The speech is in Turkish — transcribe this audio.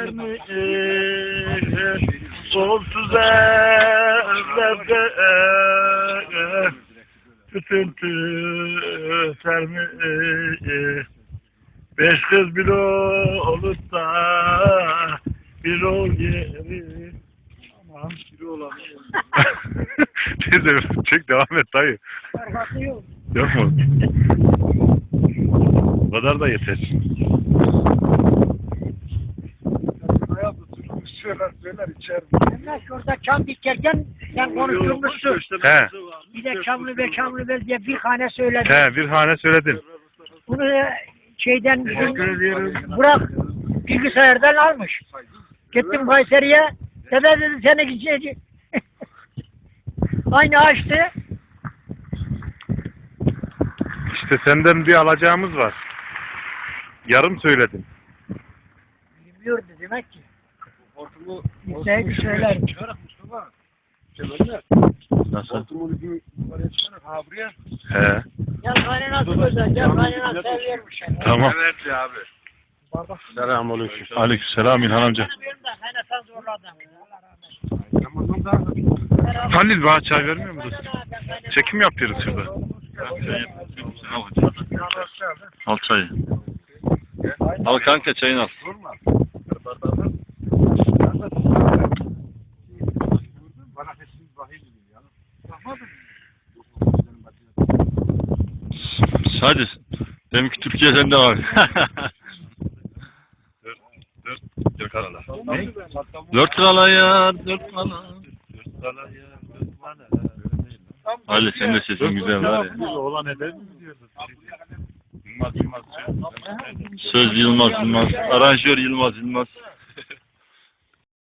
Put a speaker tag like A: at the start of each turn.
A: sermiş sonsuz evlerde tütüntü sermiş. Beş kız bir olup da bir ol yeri. Aman biri olamıyor.
B: Teyze çek devam et dayı.
A: Arkası yok.
B: Yok mu? Bu kadar da yeter.
A: Hayatı türlü söyler içer. Hemen şurada çam dikerken sen konuşturmuşsun.
B: He.
A: Bir de çamlı be diye bir hane söyledin.
B: He, bir hane söyledin.
A: Bunu şeyden Burak bilgisayardan almış. Gittim Kayseri'ye. Dede dedi seni gidecek. Aynı açtı.
B: İşte senden bir alacağımız var. Yarım söyledin.
A: Bilmiyordu demek ki. Bilseydi söyler.
B: Nasıl?
A: Ha buraya.
B: He.
A: Gel kaynanası özel. Gel kaynanası seviyormuş.
B: Tamam.
C: Evet abi.
B: Selamünaleyküm. Aleykümselam İlhan amca.
A: Kaynatan zorladı.
B: Halil bana çay vermiyor musun? Çekim yapıyoruz şurada. Al çayı.
C: Al kanka çayını al. Hadi. Deminki Türkiye'den de var.
B: Dört kala.
C: Dört kala ya, dört kala. Ali senin de sesin güzel var ya.
B: Oğlan eder mi diyorsun? Yılmaz.
C: Söz Yılmaz. Aranjör Yılmaz.